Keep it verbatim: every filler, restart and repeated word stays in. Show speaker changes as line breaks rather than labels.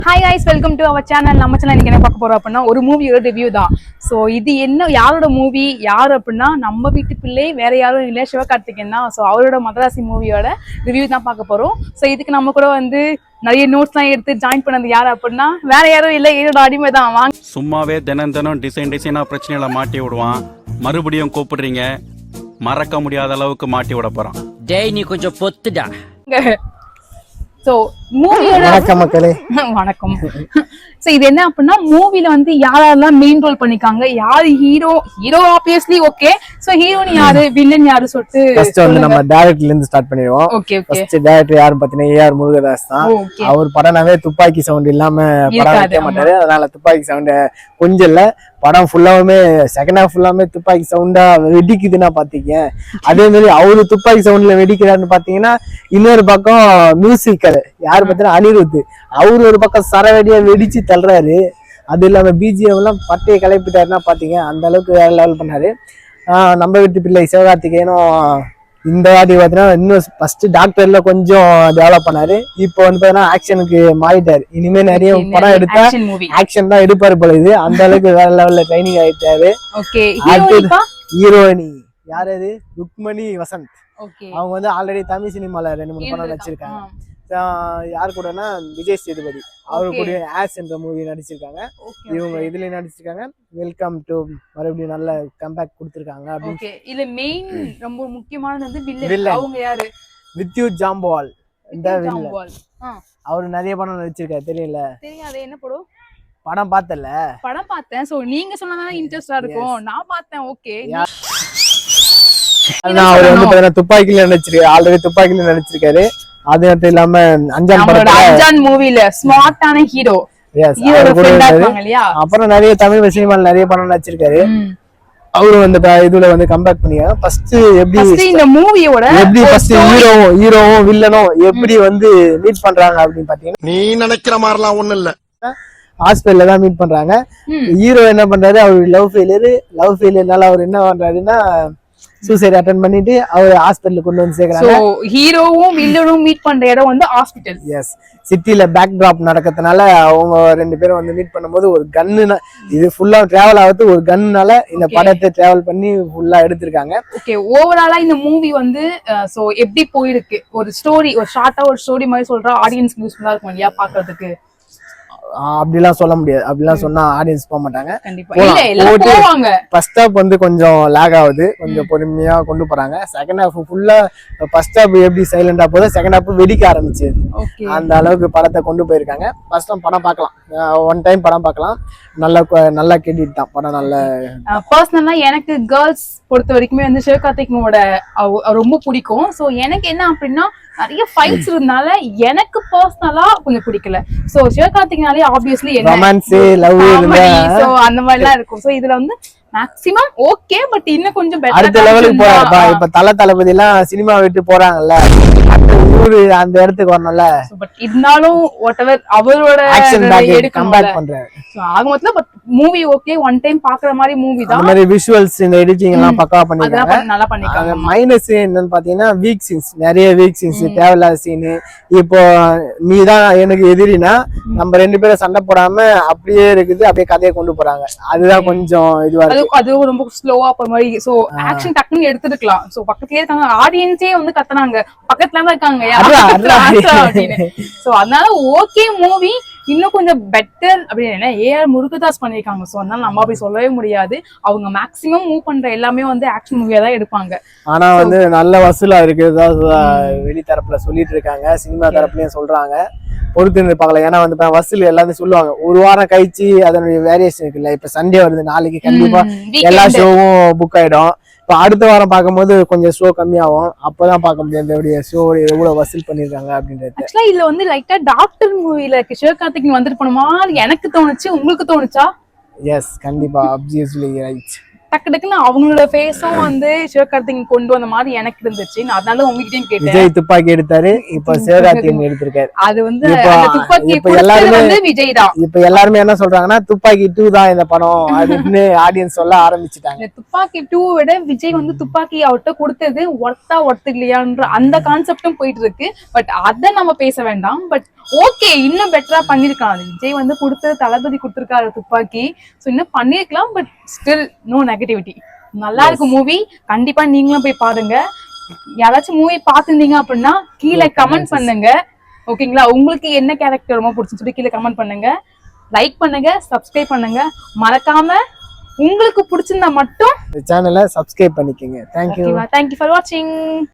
Hi guys, welcome to our channel. நம்ம channel இன்னைக்கு என்ன பார்க்க போறோம் அப்படின்னா ஒரு மூவியோட ரிவ்யூ தான். ஸோ இது என்ன யாரோட மூவி யார் அப்படின்னா நம்ம வீட்டு பிள்ளை வேற யாரும் இல்லை, சிவகார்த்திகேயன் தான். ஸோ அவரோட மதராசி மூவியோட ரிவ்யூ தான் பார்க்க போறோம். ஸோ இதுக்கு நம்ம கூட வந்து நிறைய நோட்ஸ்லாம் எடுத்து ஜாயின் பண்ணது யார் அப்படின்னா வேற யாரும் இல்லை, என்னோட அடிமை தான். வாங்க.
சும்மாவே தினம் தினம் டிசைன் டிசைனா பிரச்சனைகளை மாட்டி விடுவான். மறுபடியும் கூப்பிடுறீங்க, மறக்க முடியாத அளவுக்கு மாட்டி விட போறான்.
டேய் நீ கொஞ்சம் பொத்துடா.
சோ மூவியோட
வணக்கம் மக்களே.
வணக்கம். சோ இது என்ன அப்படின்னா மூவில வந்து யாரெல்லாம் மெயின் ரோல் பண்ணிருக்காங்க, யாரு hero hero obviously okay. So heroine யாரு, வில்லன் யாரு சொல்லிட்டு
ஃபர்ஸ்ட் வந்து நம்ம டைரக்டர்ல இருந்து ஸ்டார்ட் பண்ணிடுவோம்.
Okay okay.
ஃபர்ஸ்ட் டைரக்டர் யாரு பாத்தீங்கன்னா ஏ ஆர் முருகதாஸ் தான். அவர் படம்னாவே துப்பாக்கி சவுண்ட் இல்லாம படம் வைக்க மாட்டாரு. அதனால துப்பாக்கி சவுண்ட் கொஞ்சம் இல்ல, படம் ஃபுல்லாவுமே செகண்ட் ஹாஃப் ஃபுல்லாமே துப்பாக்கி சவுண்டா வெடிக்குதுன்னா பாத்தீங்க. அதே மாதிரி அவரு துப்பாக்கி சவுண்ட்ல வெடிக்கிறாருன்னு பாத்தீங்கன்னா இன்னொரு பக்கம் மியூசிக்கல் யாரு பாத்தீங்கன்னா அனிருத், அவரு ஒரு பக்கம் சரவெடியா வெடிச்சு தள்ளுறாரு. அது இல்லாம பிஜிஎம் எல்லாம் பட்டையை கிளப்பிட்டாருன்னா பாத்தீங்க, அந்த அளவுக்கு வேற லெவல் பண்ணாரு. ஆஹ் நம்ம வீட்டு பிள்ளை சிவகார்த்திகேயனும் இந்த வாட்டி பாத்தீங்கன்னா இன்னும் ஃபர்ஸ்ட் டாக்டர்ல கொஞ்சம் டெவலப் பண்ணாரு. இப்போ வந்து பாத்தீங்கன்னா ஆக்ஷனுக்கு மாறிட்டாரு. இனிமே நிறைய படம் எடுத்தா ஆக்ஷன் தான் எடுப்பாரு போல. இது அந்த அளவுக்கு வேற லெவல்ல ட்ரைனிங் ஆயிட்டாரு. ஹீரோயினி யாரு அது, ருக்மணி வசந்த். அவங்க வந்து ஆல்ரெடி தமிழ் சினிமால ரெண்டு மூணு படம் நடிச்சிருக்காங்க. யாரு கூடனா விஜய் சேதுபதி அவரு கூட ஆஸ் என்ற மூவி நடிச்சிருக்காங்க. இவங்க இதுல நடிச்சிருக்காங்க. வெல்கம் டு மறுபடியும் நல்ல கம்பேக் கொடுத்திருக்காங்க.
ஓகே. இல்ல மெயின் ரொம்ப முக்கியமானது வந்து வில்லன். அவங்க யாரு,
வித்யுத் ஜாம்பவால். இந்த வில்லன் அவரு நிறைய படம் நடிச்சிருக்காரு. தெரியல
தெரியாது என்ன படம்
படம் பார்த்தல
படம் பார்த்தேன். சோ நீங்க சொன்னதானே இன்ட்ரெஸ்டா இருக்கும். நான் பார்த்தேன். ஓகே.
அவர் வந்து பாத்தீங்கன்னா துப்பாக்கில நடிச்சிருக்காரு. ஆல்ரெடி துப்பாக்கில நடிச்சிருக்காரு. அது மட்டும் இல்லாம அஞ்சான் படத்துல
அஞ்சான் மூவில ஸ்மார்ட்டான ஹீரோ.
அப்புறம் நிறைய தமிழ் சினிமால நிறைய படம் நடிச்சிருக்காரு. அவரு வந்து இதுல வந்து கம்பேக் பண்ணியா ஃபர்ஸ்ட் எப்படி
இந்த மூவியோட
எப்படி ஃபர்ஸ்ட் ஹீரோவும் ஹீரோவும் வில்லனும் எப்படி வந்து மீட் பண்றாங்க அப்படின்னு பாத்தீங்கன்னா
நீ நினைக்கிற மாதிரிலாம் ஒண்ணும் இல்ல,
ஹாஸ்பிட்டல்ல தான் மீட் பண்றாங்க. ஹீரோ என்ன பண்றாரு, அவர் லவ் ஃபெயிலியர் லவ் ஃபெயிலியர்னால அவர் என்ன பண்றாருன்னா சூசைட் அட்டெண்ட் பண்ணிட்டு அவர் ஹாஸ்பிட்டலுக்கு கொண்டு வந்து சேர்க்கறாங்க.
சோ ஹீரோவும் வில்லனும் மீட் பண்ற இடம் வந்து ஹாஸ்பிடல்.
எஸ், சிட்டில பேக் டிராப் நடக்கிறதுனால அவங்க ரெண்டு பேரும் வந்து மீட் பண்ணும்போது ஒரு கன்னு, இது ஃபுல்லா டிராவல் ஆகுது ஒரு கன்னால இந்த படத்தை டிராவல் பண்ணி ஃபுல்லா எடுத்திருக்காங்க.
ஓகே. ஓவராலா இந்த மூவி வந்து சோ எப்படி போயிருக்கு, ஒரு ஸ்டோரி ஒரு ஷார்ட்டா ஒரு ஸ்டோரி மாதிரி சொல்றா ஆடியன்ஸ்க்கு யூஸ்ஃபுல்லா இருக்கும் இல்லையா பாக்குறதுக்கு?
அப்படிலாம் சொல்ல முடியாது. அப்படிலாம் சொன்னா ஆடியன்ஸ் போக மாட்டாங்க. ஃபர்ஸ்ட் ஹாஃப் வந்து கொஞ்சம் லேக் ஆகுது, கொஞ்சம் பொறுமையா கொண்டு போறாங்க. செகண்ட் ஹாஃப் ஃபுல்லா ஃபர்ஸ்ட் ஹாஃப் எப்படி சைலண்டா போகுது, செகண்ட் ஹாஃப் வெடிக்க ஆரம்பிச்சு அந்த அளவுக்கு படத்தை கொண்டு போயிருக்காங்க. ஃபர்ஸ்ட் டைம் படம் பார்க்கலாம், ஒன் டைம் படம் பார்க்கலாம். நல்ல நல்லா கேட்டுட்டு தான் படம். நல்ல
பர்சனலா எனக்கு கேர்ள்ஸ் பொறுத்த வரைக்குமே வந்து சிவகார்த்திகேயனோட ரொம்ப பிடிக்கும். சோ எனக்கு என்ன அப்படின்னா நிறைய ஃபைட்ஸ் இருந்தால எனக்கு பர்சனலா கொஞ்சம் பிடிக்கல. சோ சிவகார்த்திகேயனாலே ஆப்வியஸ்லி
ரொமான்ஸ் லவ்
சோ அந்த மாதிரி எல்லாம் இருக்கும். சோ இதுல வந்து மேக்ஸிமம் ஓகே, பட் இன்னும் கொஞ்சம் பெட்டர்
அடுத்த லெவலுக்கு போறாங்க. இப்ப தல தளபதி எல்லாம் சினிமா விட்டு போறாங்கல்ல, ஊரு அந்த இடத்துக்கு வரணும்ல.
பட் இருந்தாலும் whatever அவரோட
கம்பேக் பண்றாரு.
சோ ஆக மொத்தம் but movie okay, one time பாக்குற மாதிரி மூவி தான்.
அந்த மாதிரி விஷுவல்ஸ் இந்த எடிட்டிங் எல்லாம் பக்காவா பண்ணிருக்காங்க.
நல்லா பண்ணிருக்காங்க.
மைனஸ் என்னன்னு பாத்தீங்கன்னா வீக் சீன்ஸ், நிறைய வீக் சீன்ஸ், தேவையில்லாத சீன். இப்போ நீ தான் எனக்கு எதிரினா நம்ம ரெண்டு பேரும் சண்டை போடாம அப்படியே இருக்குது, அப்படியே கதையை கொண்டு போறாங்க. அதுதான் கொஞ்சம் இதுவா இருக்கு.
அது ரொம்ப ஸ்லோவா போற மாதிரி. சோ ஆக்ஷன் டக்குன்னு எடுத்துக்கலாம். சோ பக்கத்துலயே இருக்காங்க, ஆடியன்ஸே வந்து கத்துனாங்க, பக்கத்துல தான் இருக்காங்க. சோ அதனால ஓகே மூவி. இன்னும் கொஞ்சம் பெட்டர் அப்படின்னு ஏ ஆர் முருகதாஸ் பண்ணிருக்காங்க. சோ அதனால நம்ம அப்படி சொல்லவே முடியாது. அவங்க மேக்சிமம் மூவ் பண்ற எல்லாமே வந்து ஆக்ஷன் மூவியா தான் எடுப்பாங்க.
ஆனா வந்து நல்ல வசூலா இருக்கு வெளி தரப்புல சொல்லிட்டு இருக்காங்க, சினிமா தரப்புலயும் சொல்றாங்க. பொறுத்து பார்க்கலாம். ஏன்னா வந்து வசூல் எல்லாத்தையும் சொல்லுவாங்க. ஒரு வாரம் கழிச்சு அதனுடைய வேரியேஷன் இருக்குல்ல. இப்ப சண்டே வருது, நாளைக்கு கண்டிப்பா எல்லா ஷோவும் புக் ஆயிடும். இப்ப அடுத்த வாரம் பார்க்கும்போது கொஞ்சம் ஷோ கம்மியாகும். அப்பதான் பார்க்க முடியாது ஷோ எவ்வளவு வசூல் பண்ணிருக்காங்க அப்படின்றது.
ஆக்சுவலா இதுல வந்து லைட்டா டாக்டர் மூவில சிவகார்த்திகேயன் வந்துட்டு போன மாதிரி எனக்கு தோணுச்சு. உங்களுக்கு தோணுச்சா?
எஸ், கண்டிப்பா, ஆப்வியஸ்லி ரைட்.
டக்கு டக்குன்னு அவங்களோட ஃபேஸும் வந்து சிவகார்த்திகேயன் கொண்டு வந்த மாதிரி எனக்கு இருந்துச்சு. நான் அதனால உங்ககிட்டயும் கேட்டேன்.
விஜய் துப்பாக்கி எடுத்தாரு, இப்ப சிவகார்த்திகேயன் எடுத்திருக்காரு.
அது வந்து துப்பாக்கி வந்து விஜய் தான்.
இப்ப எல்லாருமே என்ன சொல்றாங்கன்னா துப்பாக்கி டூ தான் இந்த படம் அப்படின்னு ஆடியன்ஸ் சொல்ல ஆரம்பிச்சுட்டாங்க.
துப்பாக்கி டூ விட விஜய் வந்து துப்பாக்கி அவர்கிட்ட கொடுத்தது ஒர்த்தா ஒர்த்து இல்லையான்ற அந்த கான்செப்டும் போயிட்டு இருக்கு. பட் அத நம்ம பேச வேண்டாம். பட் ஓகே இன்னும் பெட்டரா பண்ணிருக்கலாம். விஜய் வந்து கொடுத்து தளபதி கொடுத்திருக்காரு துப்பாக்கி, சோ இன்னும் பண்ணிருக்கலாம். But still no negativity. நல்லா இருக்கு மூவி, கண்டிப்பா நீங்களும் போய் பாருங்க. யாராச்சும் மூவி பாத்துருந்தீங்க அப்படின்னா கீழே கமெண்ட் பண்ணுங்க. ஓகேங்களா, உங்களுக்கு என்ன கேரக்டர் ரொம்ப பிடிச்சுன்னு சொல்லி கீழே கமெண்ட் பண்ணுங்க. லைக் பண்ணுங்க, சப்ஸ்கிரைப் பண்ணுங்க. மறக்காம உங்களுக்கு பிடிச்சிருந்தா மட்டும்
இந்த சேனலை சப்ஸ்கிரைப் பண்ணிக்கோங்க. தேங்க்யூ
தேங்க்யூ ஃபார் வாட்சிங்.